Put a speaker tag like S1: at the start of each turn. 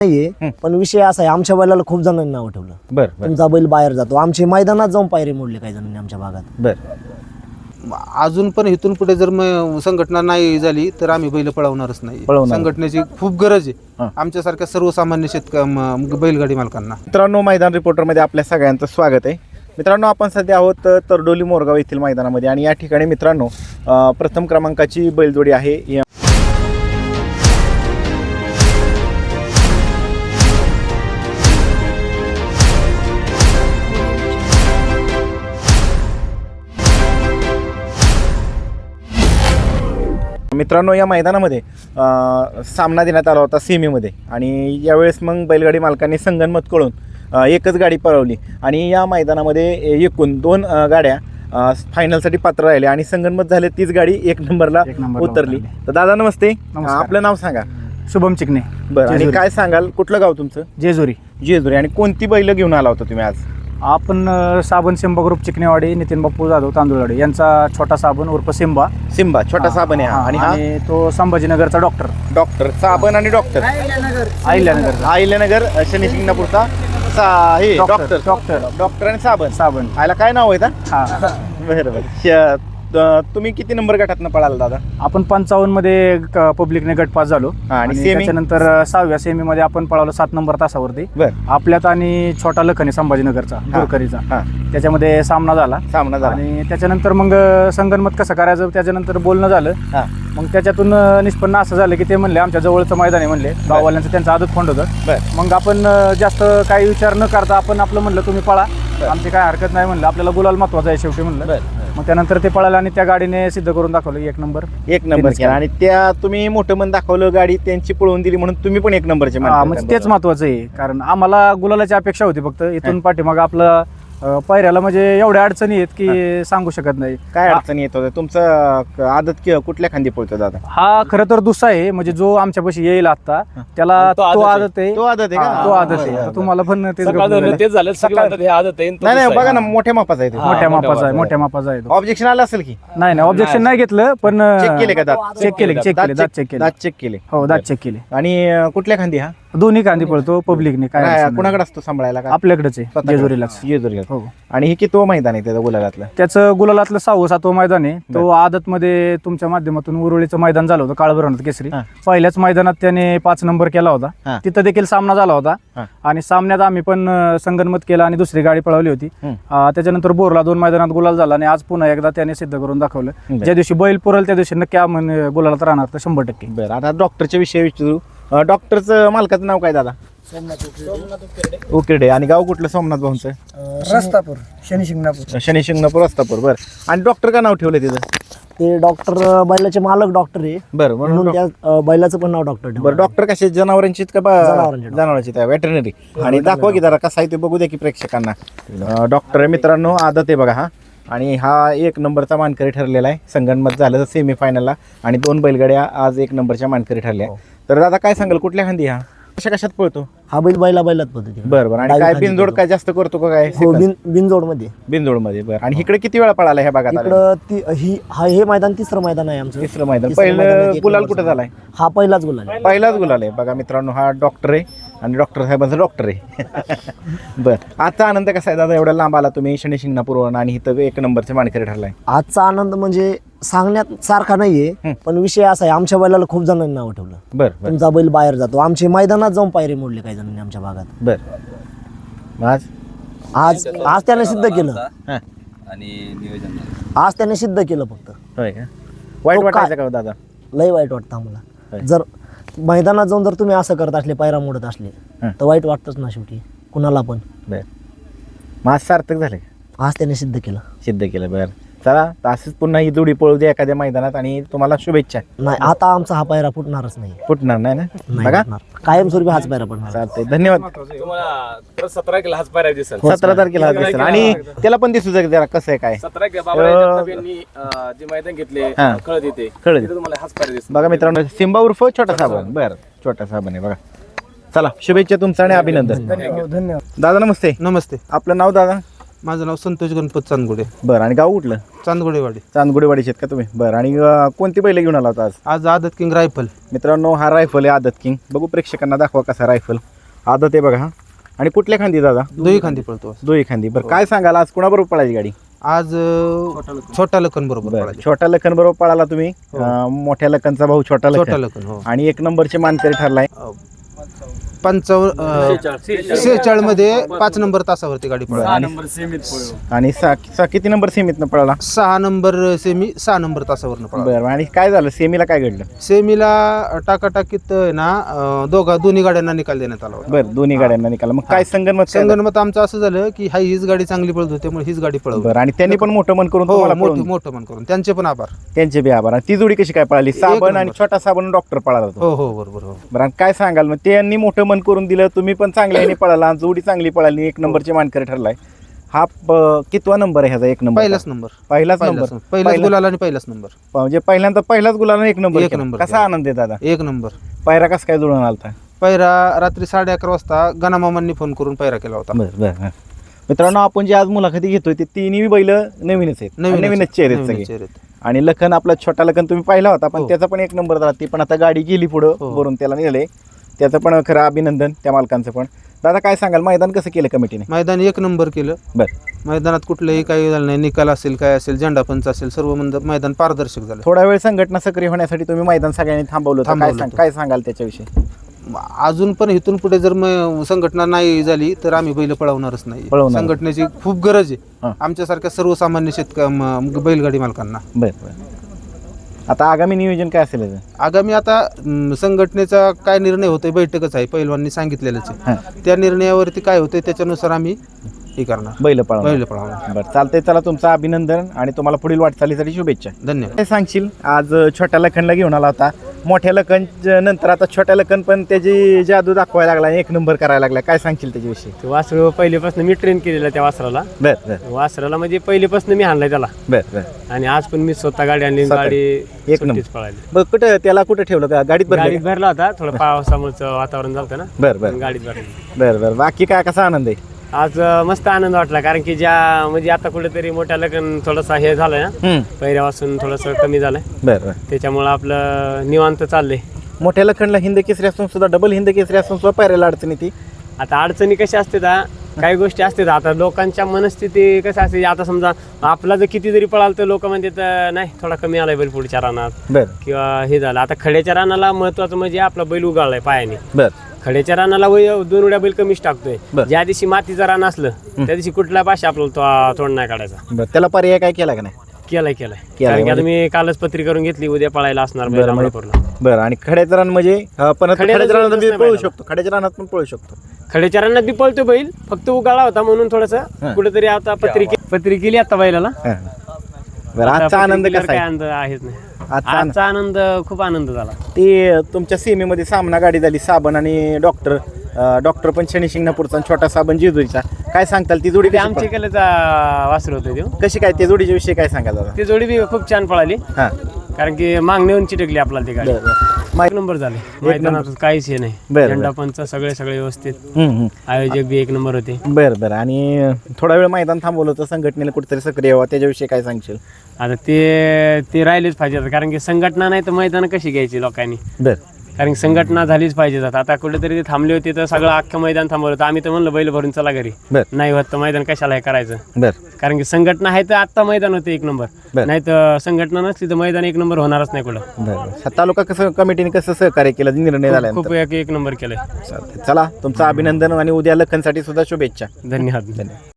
S1: नाहीये, पण विषय असा आहे, आमच्या बैलाला खूप जणांनी नाव ठेवलं.
S2: बरं
S1: तुमचा बैल बाहेर जातो. आमचे मैदानात जाऊन पायरे मोडले काही जणांनी आमच्या भागात.
S3: अजून पण इथून पुढे जर संघटना नाही झाली तर आम्ही बैल पळवणारच नाही. संघटनेची खूप गरज आहे आमच्यासारख्या सर्वसामान्य बैलगाडी मालकांना.
S2: मित्रांनो, मैदान रिपोर्टरमध्ये आपल्या सगळ्यांचं स्वागत आहे. मित्रांनो, आपण सध्या आहोत तरडोली मोरगाव येथील मैदानामध्ये आणि या ठिकाणी मित्रांनो प्रथम क्रमांकाची बैलजोडी आहे. मित्रांनो, या मैदानामध्ये सामना देण्यात आला होता सेमीमध्ये आणि यावेळेस मग बैलगाडी मालकांनी संगनमत कळून एकच गाडी पळवली आणि या मैदानामध्ये एकूण 2 गाड्या फायनलसाठी पात्र राहिले आणि संगनमत झाले. तीच गाडी 1 नंबरला उतरली. तर दादा नमस्ते, आपलं नाव सांगा.
S4: शुभम चिकणे.
S2: बरं, आणि काय सांगाल, कुठलं गाव तुमचं?
S4: जेजुरी.
S2: आणि कोणती बैल घेऊन आला होता तुम्ही आज?
S4: आपण साबण सिंबा ग्रुप चिकनेवाडी, नितीन बाप्पू जाधव तांदुळवाडी यांचा छोटा साबण उर्फ सिंबा
S2: छोटा साबण आहे.
S4: आणि तो संभाजीनगरचा
S2: डॉक्टर साबण आणि डॉक्टर अहिल्यानगर शनी शिंगणापूरचा डॉक्टर आणि साबण आयला काय नाव आहे का? बरोबर. तुम्ही किती नंबर गटातनं पळाला दादा?
S4: आपण 55 मध्ये पब्लिकने गट पास झालो आणि त्याच्यानंतर 6व्या सेमी मध्ये आपण पळालो 7 नंबर तासावरती आपल्यात आणि छोटा लखनी संभाजीनगरचा दुरकरीचा. त्याच्यामध्ये सामना झाला आणि त्याच्यानंतर मग संगनमत कसं करायचं त्याच्यानंतर बोलणं झालं. मग त्याच्यातून निष्पन्न असं झालं की ते म्हणले आमच्या जवळचं मैदान आहे म्हणले, गाववाल्यांचं त्यांचं आदत फंड होतं. मग आपण जास्त काही विचार न करता आपण आपलं म्हणलं तुम्ही पळा, आमची काय हरकत नाही म्हणलं, आपल्याला गुलाल महत्वाचा आहे शेवटी म्हणलं. मग त्यानंतर ते पळालं आणि त्या गाडीने सिद्ध करून दाखवलं 1 नंबर
S2: केला आणि त्या तुम्ही मोठं मन दाखवलं, गाडी त्यांची पळवून दिली म्हणून तुम्ही पण 1 नंबरचे.
S4: म्हणजे तेच महत्वाचं आहे, कारण आम्हाला गुलालाची अपेक्षा होती फक्त. इथून पाठीमाग आपलं पायऱ्याला म्हणजे एवढ्या अडचणी आहेत की सांगू शकत नाही.
S2: काय अडचणी येत होत्या? तुमचं आदत कुठल्या खांदी पळतो दादा?
S4: हा खरं तर दुसरा आहे, म्हणजे जो आमच्यापाशी येईल आता त्याला तो आदत आहे.
S2: तो आदत आहे.
S4: तुम्हाला पण तेच
S2: नाही बघा ना, मोठ्या मापाचा आहे.
S4: मोठ्या मापाचा आहे.
S2: ऑब्जेक्शन आलं असेल की?
S4: नाही ऑब्जेक्शन नाही घेतलं, पण
S2: चेक केले का? दात चेक केले.
S4: हो, दात चेक केले.
S2: आणि कुठल्या खांदी? हा
S4: दोन्ही कांदी पळतो पब्लिकने. काय
S2: कुणाकडे असतो सांभाळायला?
S4: आपल्याकडेच आहे, जेजुरीला.
S2: हो. आणि हे किती मैदान आहे त्याचं गुलालातलं?
S4: त्याचं गुलालातलं 6वं मैदान आहे. तो आदत मध्ये तुमच्या माध्यमातून उरुळीचं मैदान झालं होतं, काळभैरवनाथ केसरी. पहिल्याच मैदानात त्याने 5 नंबर केला होता. तिथं देखील सामना झाला होता आणि सामन्यात आम्ही पण संगनमत केला आणि दुसरी गाडी पळवली होती. त्याच्यानंतर बोरला 2 मैदानात गुलाल झाला आणि आज पुन्हा एकदा त्याने सिद्ध करून दाखवलं. ज्या दिवशी बैल पुरल त्या दिवशी नक्की गुलालात राहणार तर 100%.
S2: बरं, आता डॉक्टरच्या विषयी विचारू. डॉक्टरचं मालकाचं नाव काय दादा? उकिरडे. आणि गाव कुठलं सोमनाथ भाऊंचं?
S1: रस्तापूर, शनी शिंगणापूर
S2: रस्तापूर. बरं, आणि डॉक्टर का नाव ठेवलं तिथं?
S1: ते डॉक्टर बैलाचे मालक डॉक्टर आहे.
S2: बरं, म्हणून
S1: त्या बैलाचं पण नाव डॉक्टर.
S2: बरं, डॉक्टर कसे? जनावरांची का? जनावरांची वेटरनरी. आणि दाखवा की जरा कसं आहे ते बघू द्या की प्रेक्षकांना. डॉक्टर आहे मित्रांनो, आदत आहे बघा हा. आणि हा 1 नंबरचा मानकरी ठरलेला आहे. संगनमत झालं सेमीफायनलला आणि 2 बैलगाड्या आज 1 नंबरच्या मानकरी ठरल्या. तर दादा काय सांगाल, कुठल्या खांदी हा? कशात पळतो
S1: हा बैल? बैलात पळतो.
S2: बरं. आणि काय बिनजोड काय जास्त करतो का? काय
S1: बिनजोड मध्ये.
S2: बरं. आणि इकडे किती वेळा पळाला ह्या भागात?
S1: हे मैदान 3रं मैदान आहे आमचं.
S2: 3रं मैदान. पहिलं गुलाल कुठं झालाय?
S1: हा पहिलाच गुलाल
S2: आहे बघा मित्रांनो. हा डॉक्टर आहे आणि डॉक्टर साहेबांचा डॉक्टर आहे. बरं, आजचा आनंद कसा आहे दादा? एवढा लांब आला तुम्ही शनी शिंगणापूरवरून आणि इथं 1 नंबरचे मानकरी ठरलाय.
S1: आजचा आनंद म्हणजे सांगण्यात सारखा नाहीये, पण विषय असा आहे, आमच्या बैलाला खूप जणांनी नाव ठेवलं.
S2: बरं.
S1: तुमचा बैल बाहेर जातो. आमचे मैदानात जाऊन पायरे मोडले काही जणांनी आमच्या भागात.
S2: बरं.
S1: आज त्याने सिद्ध केलं
S5: आणि नियोजन
S1: आज त्याने सिद्ध केलं फक्त.
S2: होय का? वाईट वाटायचं का दादा?
S1: लय वाईट वाटतं आम्हाला. जर मैदानात जाऊन जर तुम्ही असं करत असले, पायरा मोडत असले तर वाईट वाटतच ना शेवटी कुणाला पण.
S2: बरं, मग आज सार्थक झाले?
S1: आज त्याने सिद्ध केलं.
S2: बरं, चला असंच पुन्हा ही जोडी पळू दे एखाद्या मैदानात आणि तुम्हाला शुभेच्छा.
S1: नाही, आता आमचा हा पायरा फुटणारच नाही.
S2: फुटणार नाही ना? बघा,
S1: कायमस्वरूपी हाच पायरा पडणार.
S2: चालतंय, धन्यवाद.
S5: 17 तारखेला हाच पायऱ्या दिसेल.
S2: 17 तारखेला हाच दिसेल आणि त्याला पण दिसू जरा कसं आहे काय.
S5: 17 बाबांनी जे मैदान घेतले कळत येते तुम्हाला हाच पायऱ्या दिसेल.
S2: बघा मित्रांनो, सिंबा उर्फ छोटा साबण. बरं, छोटा साबण आहे बघा. चला, शुभेच्छा तुमचं आणि अभिनंदन.
S1: धन्यवाद.
S2: दादा नमस्ते.
S3: नमस्ते.
S2: आपलं नाव दादा?
S3: माझं नाव संतोष गणपत चांदगुडे.
S2: बरं, आणि गाव कुठलं?
S3: चांदगुडेवाडी.
S2: चांदगुडेवाडीचे आहेत का तुम्ही? बरं, आणि कोणती बैल घेऊन आला होता आज?
S3: आज आदत किंग रायफल.
S2: मित्रांनो, हा रायफल आहे आदत किंग. बघू प्रेक्षकांना दाखवा कसा रायफल आदत आहे बघा. हा, आणि कुठल्या खांदी दादा?
S3: दोही खांदी पळतो.
S2: दोही खांदी. बरं, काय सांगाल आज कोणाबरोबर पळायची गाडी?
S3: आज छोटा लखन बरोबर
S2: बरं,
S3: पळाली.
S2: छोट्या लखन बरोबर पळाला तुम्ही. मोठ्या लखनचा भाऊ छोटा
S3: छोटा
S2: लखन,
S3: लखन हो.
S2: आणि 1 नंबरचे मानकरी ठरलाय.
S3: 46 मध्ये 5 नंबर तासावरती गाडी पळाली.
S2: आणि किती नंबर सेमीतनं पळाला?
S3: 6 नंबर सेमी 6 नंबर तासावरनं पळाला.
S2: बरं, आणि काय झालं सेमीला? काय घडलं
S3: सेमीला टाकाटाकीत ना दोन्ही गाड्यांना निकाल देण्यात आला होता.
S2: बरं, दोन्ही गाड्यांना निकाला. मग काय
S3: संगणमत आमचं असं झालं की हीच गाडी चांगली पळत होती त्यामुळे हीच गाडी पळवली.
S2: बरं, आणि त्यांनी पण मोठं मन करून
S3: हो,
S2: तुम्हाला पळवून-
S3: मोठं मन करून त्यांचे पण आभार.
S2: त्यांचे बी आभार. आणि ती जोडी कशी काय पळाली? साबण आणि छोटा साबण डॉक्टर पळाला होता.
S3: हो हो बरोबर हो.
S2: बरं, आणि काय सांगाल मग? त्यांनी मोठं मन करून दिलं, तुम्ही पण चांगल्याने पळाला, जोडी चांगली पळाली, 1 नंबरचे मानकरी ठरलाय. हा कितवा नंबर आहे ह्याचा? 1 नंबर.
S3: पहिलाच नंबर.
S2: पहिलाच नंबर.
S3: पहिलाच गुलाल आणि पहिलाच नंबर.
S2: म्हणजे पहिल्यांदा पहिलाच गुलाला 1 नंबर.
S3: 1 नंबर.
S2: कसा आनंद आहे दादा?
S3: 1 नंबर.
S2: पायरा कसा काय जुळून आलता?
S3: पैरा रात्री 11:30 वाजता गणामामांनी फोन करून पैरा केला होता.
S2: बरं. मित्रांनो, आपण जे आज मुलाखती घेतोय ते तिन्ही बैल नवीनच आहेत, नवीनच चेहरे आहेत सगळे.
S3: चेहरे.
S2: आणि लखन, आपला छोटा लखन तुम्ही पाहिला होता, पण
S3: हो.
S2: त्याचा पण 1 नंबर झाला. ती पण आता गाडी गेली पुढं
S3: हो.
S2: वरून, त्याला नेलंय. त्याचं पण खरं अभिनंदन त्या मालकांचं पण. दादा काय सांगाल, मैदान कसं केलं कमिटीने?
S3: मैदान 1 नंबर केलं.
S2: बरं,
S3: मैदानात कुठलंही काही झालं नाही. निकाल असेल, काय असेल, झेंडा पंच असेल, सर्व मैदान पारदर्शक झालं.
S2: थोडा वेळ संघटना सक्रिय होण्यासाठी तुम्ही मैदान सगळ्यांनी थांबवलं होतं.
S3: थांबवलं होतं.
S2: काय सांगाल त्याच्याविषयी?
S3: अजून पण इथून पुढे जर संघटना नाही झाली तर आम्ही बैल पळवणारच नाही. संघटनेची खूप गरज आहे आमच्यासारख्या सर्वसामान्य बैलगाडी मालकांना.
S2: बरं, आता आगामी नियोजन काय असेल याचं?
S3: आगामी आता संघटनेचा काय निर्णय होतोय, बैठकच आहे, पैलवाननी सांगितलेलंच आहे. त्या निर्णयावरती काय होतंय त्याच्यानुसार आम्ही हे करणार,
S2: बैल पळवणार. बरं, चालतंय. चला, तुमचं अभिनंदन आणि तुम्हाला पुढील वाटचालीसाठी शुभेच्छा.
S3: धन्यवाद.
S2: काय सांगशील, आज छोट्या लखनला घेऊन आला होता. मोठ्या लखन नंतर आता छोट्या लखन पण त्याची जादू दाखवायला लागला, 1 नंबर करायला लागला. काय सांगशील त्याच्याविषयी?
S6: ते वासरू पहिलेपासून मी ट्रेन केलेलं त्या वासराला. वासराला म्हणजे पहिलेपासून मी आणलाय त्याला.
S2: बरं.
S6: आणि आज पण मी स्वतः गाडी आणली, गाडी
S2: 1 नंबर
S6: पळाली.
S2: बरं, कुठं ठेवलं का? गाडीत
S6: गाडीत भरला होता, थोडं पावसामुळं वातावरण झालं ना.
S2: बरं.
S6: गाडीत भरली.
S2: बरं. बाकी काय, कसा आनंद आहे
S6: आज? मस्त आनंद वाटला, कारण की म्हणजे आता कुठेतरी मोठ्या लग्न थोडासा हे झालंय ना, पहिल्यापासून थोडस कमी झालंय.
S2: बरं.
S6: त्याच्यामुळे आपलं निवांत चाललंय.
S2: मोठ्या लखनला हिंद केसरी असून सुद्धा, डबल हिंद केसरी असून सुद्धा पायऱ्याला अडचणी ती.
S6: आता अडचणी कशा असतात, काही गोष्टी असतात. आता लोकांच्या मनस्थिती कसं असते, आता समजा आपला जर किती जरी पळाल तर लोक म्हणतात नाही थोडा कमी आलाय बैल पुढच्या रानात,
S2: बरं,
S6: किंवा हे झालं. आता खड्याच्या रानाला महत्वाचं म्हणजे आपला बैल उगाळलाय पायाने.
S2: बरं.
S6: खड्याच्या रानाला 2 उड्या बैल कमीच टाकतोय. ज्या दिवशी मातीचं रान असलं त्या दिवशी कुठल्या भाषा आपल्याला तोंड नाही काढायचा.
S2: बरं, त्याला पर्याय काय केला का नाही?
S6: केलाय. कारण की आता मी कालच पत्री करून घेतली, उद्या पळायला असणार बैल अमरापूरला.
S2: बरं, आणि खड्याचं रान म्हणजे पण खड्याच्या रानात बी पळू शकतो, खड्याच्या रानात पण पळू शकतो.
S6: खड्याच्या रानात बी पळतो बैल, फक्त उगाळा होता म्हणून थोडस कुठेतरी आता पत्री केली आता बैलाला.
S2: बरं, आजचा आनंद कसा
S6: काय
S2: आहे?
S6: आनंद आहेच नाही. आजचा आनंद खूप आनंद झाला.
S2: ते तुमच्या सीमेमध्ये सामना गाडी झाली, साबण आणि डॉक्टर पण शनी शिंगणापूरचा, छोटा साबण जेजुरीचा. काय सांगताल ती जोडी?
S6: आमच्या केल्याचा वासर होतं ते.
S2: कशी काय त्या जोडीच्या विषयी काय सांगाल दादा?
S6: ती जोडी बी खूप छान पळाली, कारण की मागणीहून चिटकली आपल्याला ती गाडी. 1 नंबर झाले मैदानात, काहीच हे नाही. झेंडा पंच सगळे व्यवस्थित, आयोजक बी 1 नंबर होते.
S2: बरं. आणि थोडा वेळ मैदान थांबवलं होतं, संघटनेला कुठेतरी सक्रिय व्हावं, त्याच्याविषयी काय सांगशील?
S6: आता ते राहिलेच पाहिजे, कारण की संघटना नाही तर मैदान कशी घ्यायची लोकांनी.
S2: बरं.
S6: कारण संघटना झालीच पाहिजे. आता कुठेतरी ते थांबले होते तर सगळं अख्खं मैदान थांबवलं होतं. आम्ही तर म्हणलं बैल भरून चला घरी. नाही होत तर मैदान कशाला हे करायचं. कारण की संघटना आहे तर आत्ता मैदान होतं 1 नंबर, नाही तर संघटना नसली तर मैदान 1 नंबर होणारच नाही कुठं.
S2: तालुका कसं कमिटीने कसं सहकार्य केलं, निर्णय झाला?
S6: खूप 1 नंबर केलंय.
S2: चला, तुमचं अभिनंदन आणि उद्या लखनसाठी सुद्धा शुभेच्छा.
S6: धन्यवाद.